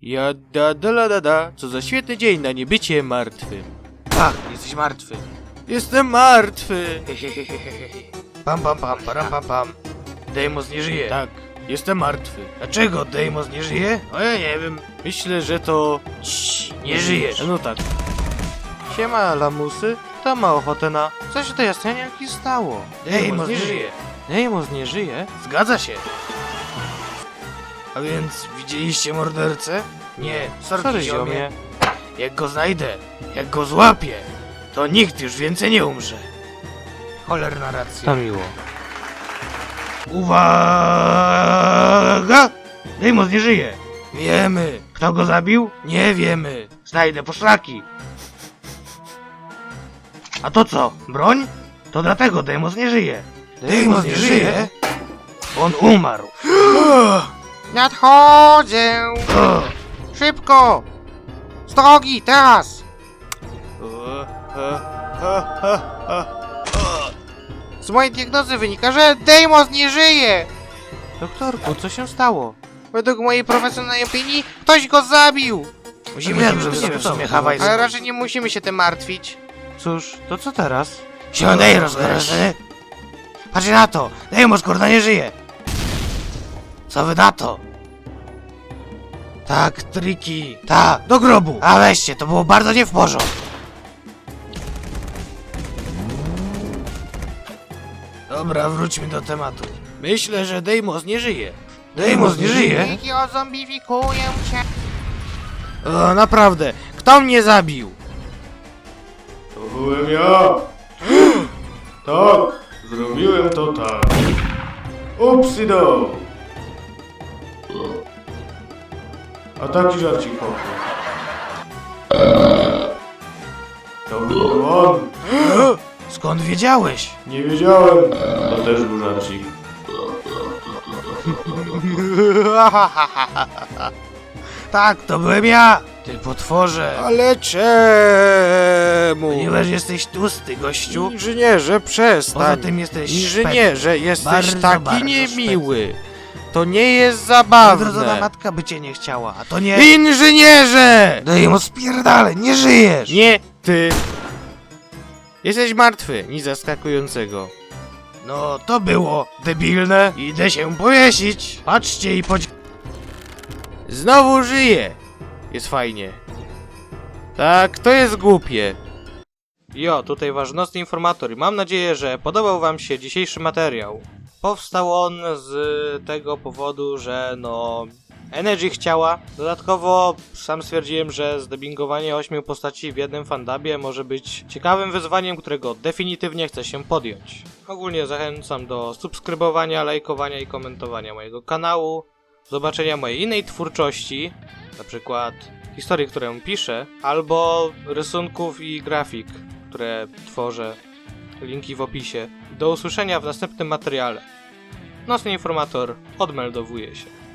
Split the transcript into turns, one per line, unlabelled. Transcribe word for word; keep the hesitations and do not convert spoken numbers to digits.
Ja da da la da da, co za świetny dzień na niebycie martwym.
Tak, jesteś martwy.
Jestem martwy.
Pam pam pam, param pam pam. Deimos nie żyje.
Tak, jestem martwy.
Dlaczego Deimos nie żyje?
O ja nie wiem, myślę, że to...
Cii, nie żyjesz.
No tak. Siema, lamusy. Kto ma ochotę na... Co się to jasnianki stało?
Deimos nie żyje.
Deimos nie żyje?
Zgadza się. A więc widzieliście mordercę? Nie, sorki,
Sorry,
ziomie.
ziomie.
Jak go znajdę, jak go złapię, to nikt już więcej nie umrze. Cholerna racja.
To miło.
Uwaga! Deimos nie żyje. Wiemy. Kto go zabił? Nie wiemy. Znajdę poszlaki. A to co? Broń? To dlatego Deimos nie żyje. Deimos nie żyje? On umarł.
Nadchodzę!
O,
Szybko! Z drogi, teraz! Z mojej diagnozy wynika, że Deimos nie żyje!
Doktorku, co się stało?
Według mojej profesjonalnej opinii ktoś go zabił!
musimy
Ja
wiem,
bym
że
nie
w sumie
wiem,
Hawaj
Ale raczej nie musimy się tym martwić.
Cóż, to co teraz?
Siadaj, rozgoręczony. Patrzcie na to! Deimos kurna nie żyje! Co wy na to? Tak, triki. Tak, do grobu. A weźcie, to było bardzo nie w porządku. Dobra, wróćmy do tematu. Myślę, że Deimos nie żyje. Deimos nie żyje?
Niki ozombifikuję cię!
O, naprawdę. Kto mnie zabił?
To byłem ja! Tak, zrobiłem to tak. Upsido! A taki żarcik poszedł. To był on!
Skąd wiedziałeś?
Nie wiedziałem. To też był żarcik.
Tak, to byłem ja. Ty potworze.
Ale czemu?
Ponieważ jesteś tłusty, gościu.
Inżynierze, przestań.
Poza tym jesteś
Inżynierze, jesteś
Bardzo,
taki
bardzo
niemiły. To nie jest
Odrodzona
zabawne.
matka by cię nie chciała, a to nie...
Inżynierze!
Deimos, spierdalaj, nie żyjesz!
Nie ty. Jesteś martwy, nic zaskakującego.
No, to było debilne. Idę się powiesić. Patrzcie i podź...
Znowu żyje. Jest fajnie. Tak, to jest głupie. Jo, tutaj wasz nocny informator i mam nadzieję, że podobał wam się dzisiejszy materiał. Powstał on z tego powodu, że no... Energy chciała. Dodatkowo sam stwierdziłem, że zdubbingowanie ośmiu postaci w jednym fandubie może być ciekawym wyzwaniem, którego definitywnie chcę się podjąć. Ogólnie zachęcam do subskrybowania, lajkowania i komentowania mojego kanału, zobaczenia mojej innej twórczości, na przykład historii, którą piszę, albo rysunków i grafik, które tworzę. Linki w opisie. Do usłyszenia w następnym materiale. Nocny informator odmeldowuje się.